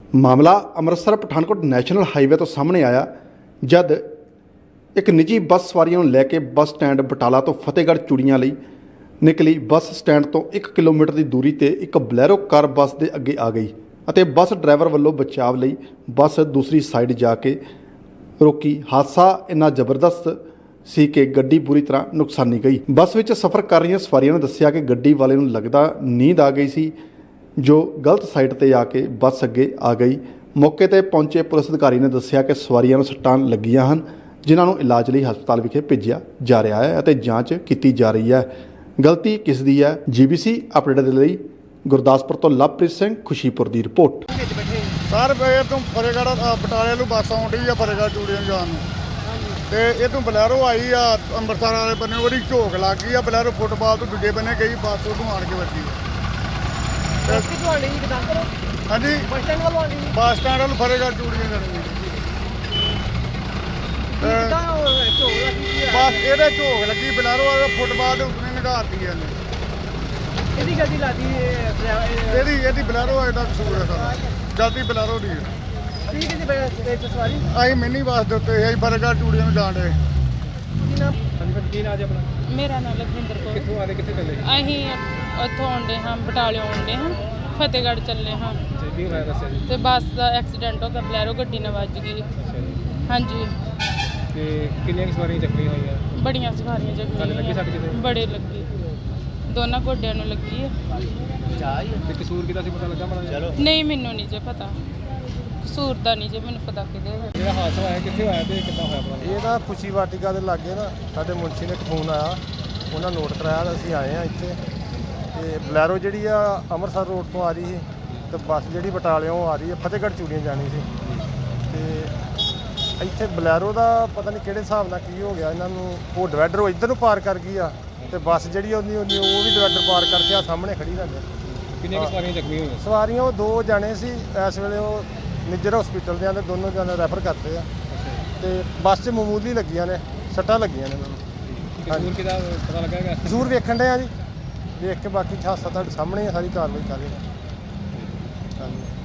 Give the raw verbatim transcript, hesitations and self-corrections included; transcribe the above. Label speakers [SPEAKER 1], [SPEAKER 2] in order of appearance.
[SPEAKER 1] ਮਾਮਲਾ Amritsar Pathankot national highway ਤੋਂ ਸਾਹਮਣੇ ਆਇਆ ਜਦ ਇੱਕ ਨਿੱਜੀ ਬੱਸ ਸਵਾਰੀਆਂ ਨੂੰ ਲੈ ਕੇ ਬੱਸ ਸਟੈਂਡ ਬਟਾਲਾ ਤੋਂ ਫਤਿਹਗੜ੍ਹ ਚੂੜੀਆਂ ਲਈ ਨਿਕਲੀ ਬੱਸ ਸਟੈਂਡ ਤੋਂ ਇੱਕ ਕਿਲੋਮੀਟਰ ਦੀ ਦੂਰੀ ਤੇ ਇੱਕ ਬਲੈਰੋ ਕਾਰ ਬੱਸ ਦੇ ਅੱਗੇ ਆ ਗਈ ਅਤੇ ਬੱਸ ਡਰਾਈਵਰ ਵੱਲੋਂ ਬਚਾਵ ਲਈ ਬੱਸ ਦੂਸਰੀ ਸਾਈਡ ਜਾ ਕੇ ਰੋਕੀ। ਹਾਦਸਾ ਇੰਨਾ ਜ਼ਬਰਦਸਤ ਸੀ ਕਿ ਗੱਡੀ ਬੁਰੀ ਤਰ੍ਹਾਂ ਨੁਕਸਾਨੀ ਗਈ। ਬੱਸ ਵਿੱਚ ਸਫ਼ਰ ਕਰ ਰਹੀਆਂ ਸਵਾਰੀਆਂ ਨੇ ਦੱਸਿਆ ਕਿ ਗੱਡੀ ਵਾਲੇ ਨੂੰ ਲੱਗਦਾ ਨੀਂਦ ਆ ਗਈ ਸੀ ਜੋ ਗਲਤ ਸਾਈਡ ਤੇ ਆ ਕੇ ਬੱਸ ਅੱਗੇ ਆ ਗਈ। ਮੌਕੇ ਤੇ ਪਹੁੰਚੇ ਪੁਲਿਸ ਅਧਿਕਾਰੀ ਨੇ ਦੱਸਿਆ ਕਿ ਸਵਾਰੀਆਂ ਨੂੰ ਸੱਟਾਂ ਲੱਗੀਆਂ ਹਨ ਜਿਨ੍ਹਾਂ ਨੂੰ ਇਲਾਜ ਲਈ ਹਸਪਤਾਲ ਵਿਖੇ ਭੇਜਿਆ ਜਾ ਰਿਹਾ ਹੈ ਅਤੇ ਜਾਂਚ ਕੀਤੀ ਜਾ ਰਹੀ ਹੈ। ਗਲਤੀ ਕਿਸ ਦੀ ਹੈ? ਜੀਬੀਸੀ ਅਪਡੇਟ ਦੇ ਲਈ ਗੁਰਦਾਸਪੁਰ ਤੋਂ ਲਵਪ੍ਰੀਤ ਸਿੰਘ, ਖੁਸ਼ੀਪੁਰ ਦੀ ਰਿਪੋਰਟ।
[SPEAKER 2] ਸਰ ਇਹ ਤੋਂ ਫਤਿਹਗੜ੍ਹ ਬਟਾਲੇ ਨੂੰ ਬੱਸ ਆਉਣ ਡਈ ਆ ਫਤਿਹਗੜ੍ਹ ਚੂੜੀਆਂ ਜਾਣ ਨੂੰ, ਤੇ ਇਹ ਤੋਂ ਬਲੈਰੋ ਆਈ ਆ ਅੰਮ੍ਰਿਤਸਰ ਵਾਲੇ ਬੰਨੇ, ਉਹਦੀ ਝੋਕ ਲੱਗ ਗਈ ਆ। ਬਲੈਰੋ ਫੁੱਟਬਾਲ ਤੋਂ ਦੂਜੇ ਬੰਨੇ ਗਈ, ਬੱਸ ਉਹਨੂੰ ਆਣ ਕੇ ਵੱਜੀ। ਹਾਂਜੀ, ਬੱਸ ਸਟੈਂਡ ਵੱਲੋਂ ਆਉਂਦੀ ਬੱਸ ਸਟੈਂਡ ਵੱਲ ਫਤਿਹਗੜ੍ਹ ਚੂੜੀਆਂ ਜਾਣੀ ਬਸ ਇਹਦੇ ਝੋਕ ਲੱਗੀ ਬਲੈਰੋ ਵਾਲੇ ਫੁੱਟਬਾਲ ਦੇ ਉੱਤੇ ਨਿਗਾਰਤੀ ਇਹਨੇ।
[SPEAKER 3] ਇਹਦੀ ਗੱਡੀ ਲਾਦੀ
[SPEAKER 2] ਇਹਦੀ ਇਹਦੀ ਬਲੈਰੋ ਇਹਦਾ ਕਸੂਰ ਹੈ ਸਾਰਾ, ਜਲਦੀ ਬਲੈਰੋ ਦੀ ਹੈ।
[SPEAKER 3] ਠੀਕ ਹੈ ਜੀ, ਬੈਠ ਸਵਾਰੀ
[SPEAKER 2] ਅਸੀਂ ਮਿੰਨੀ ਬੱਸ ਦੇ ਉੱਤੇ ਅਸੀਂ ਫਤਿਹਗੜ੍ਹ ਚੂੜੀਆਂ ਨੂੰ ਜਾਣ ਡੇ।
[SPEAKER 3] ਕੀ ਨਾਮ?
[SPEAKER 2] ਹਾਂਜੀ, ਕੀ ਨਾਮ ਜੀ ਆਪਣਾ?
[SPEAKER 4] ਮੇਰਾ ਨਾਮ ਲਖਵਿੰਦਰ ਕੌਰ।
[SPEAKER 2] ਕਿੱਥੋਂ ਆਦੇ ਕਿੱਥੇ ਚੱਲੇ?
[SPEAKER 4] ਅਸੀਂ ਉੱਥੋਂ ਆਉਂਦੇ ਹਾਂ, ਬਟਾਲਿਓਂ ਆਉਂਦੇ ਹਾਂ, ਫਤਿਹਗੜ੍ਹ ਚੱਲੇ ਹਾਂ
[SPEAKER 2] ਕੀ ਹੋਇਆ ਦੱਸਿਆ ਜੀ?
[SPEAKER 4] ਤੇ ਬੱਸ ਦਾ ਐਕਸੀਡੈਂਟ ਹੋ ਗਿਆ, ਬਲੈਰੋ ਗੱਡੀ ਨਾਲ ਵੱਜ ਗਈ। ਹਾਂਜੀ।
[SPEAKER 2] ਤੇ ਕਿੰਨੀਆਂ ਸਵਾਰੀਆਂ ਚੱਕੀਆਂ ਹੋਈਆਂ?
[SPEAKER 4] ਬੜੀਆਂ ਸਵਾਰੀਆਂ
[SPEAKER 2] ਲੱਗੀ
[SPEAKER 4] ਜਗ੍ਹਾ
[SPEAKER 2] ਸੱਟ ਕਿਤੇ?
[SPEAKER 4] ਬੜੇ ਲੱਗੀ, ਦੋਨਾਂ ਗੋਡਿਆਂ ਨੂੰ ਲੱਗੀ ਹੈ।
[SPEAKER 2] ਤੇ ਕਸੂਰ ਕਿਹਦਾ ਸੀ ਪਤਾ ਲੱਗਾ ਮਾੜਾ?
[SPEAKER 4] ਨਹੀਂ, ਮੈਨੂੰ ਨਹੀਂ ਜੇ ਪਤਾ ਕਸੂਰ ਦਾ, ਨਹੀਂ ਜੇ ਮੈਨੂੰ ਪਤਾ ਕਿਹਦੇ ਹੈ।
[SPEAKER 2] ਜਿਹੜਾ ਹਾਦਸਾ ਹੋਇਆ ਕਿੱਥੇ ਹੋਇਆ ਤੇ ਕਿੱਦਾਂ ਹੋਇਆ ਪਤਾ?
[SPEAKER 5] ਇਹ ਨਾ ਖੁਸ਼ੀ ਵਾਟਿਕਾ ਦੇ ਲਾਗੇ ਨਾ ਸਾਡੇ ਮੁਨਸ਼ੀ ਨੇ ਇੱਕ ਫੋਨ ਆਇਆ, ਉਹਨਾਂ ਨੋਟ ਕਰਾਇਆ ਤਾਂ ਅਸੀਂ ਆਏ ਹਾਂ ਇੱਥੇ। ਤੇ ਬਲੈਰੋ ਜਿਹੜੀ ਆ ਅੰਮ੍ਰਿਤਸਰ ਰੋਡ ਤੋਂ ਆ ਰਹੀ ਸੀ ਤੇ ਬੱਸ ਜਿਹੜੀ ਬਟਾਲਿਓਂ ਆ ਰਹੀ ਹੈ ਫਤਿਹਗੜ੍ਹ ਚੂੜੀਆਂ ਜਾਣੀ ਸੀ। ਤੇ ਇੱਥੇ ਬਲੈਰੋ ਦਾ ਪਤਾ ਨਹੀਂ ਕਿਹੜੇ ਹਿਸਾਬ ਨਾਲ ਕੀ ਹੋ ਗਿਆ ਇਹਨਾਂ ਨੂੰ, ਉਹ ਡਿਵਾਈਡਰ ਉਹ ਇੱਧਰ ਨੂੰ ਪਾਰ ਕਰ ਗਈ ਆ ਤੇ ਬੱਸ ਜਿਹੜੀ ਉਹਦੀ ਉਹਦੀ ਉਹ ਵੀ ਡਿਵਾਈਡਰ ਪਾਰ ਕਰਕੇ ਆ ਸਾਹਮਣੇ ਖੜੀ ਰਹਿੰਦੀ।
[SPEAKER 2] ਕਿੰਨੀਆਂ ਸਵਾਰੀਆਂ ਜ਼ਖਮੀ ਹੋਈਆਂ?
[SPEAKER 5] ਸਵਾਰੀਆਂ ਉਹ ਦੋ ਜਾਣੇ ਸੀ, ਇਸ ਵੇਲੇ ਉਹ ਨਿੱਜਰ ਹਸਪੀਟਲ ਦੇ ਆਂਦੇ, ਦੋਨੋਂ ਜਾਣੇ ਰੈਫਰ ਕਰਤੇ ਆ। ਤੇ ਬੱਸ 'ਚ ਮਾਮੂਲੀ ਲੱਗੀਆਂ ਨੇ ਸੱਟਾਂ ਲੱਗੀਆਂ ਨੇ ਇਹਨਾਂ ਨੂੰ।
[SPEAKER 2] ਕਸੂਰ ਕਿਹਦਾ ਪਤਾ ਲੱਗਾ ਹੈਗਾ?
[SPEAKER 5] ਕਸੂਰ ਵੇਖਣ ਡਏ ਆ ਜੀ, ਵੇਖ ਕੇ ਬਾਕੀ ਹਾਦਸਾ ਤੁਹਾਡੇ ਸਾਹਮਣੇ ਸਾਰੀ ਕਾਰਵਾਈ ਕਰ ਰਹੇ ਹਾਂ। ਹਾਂਜੀ।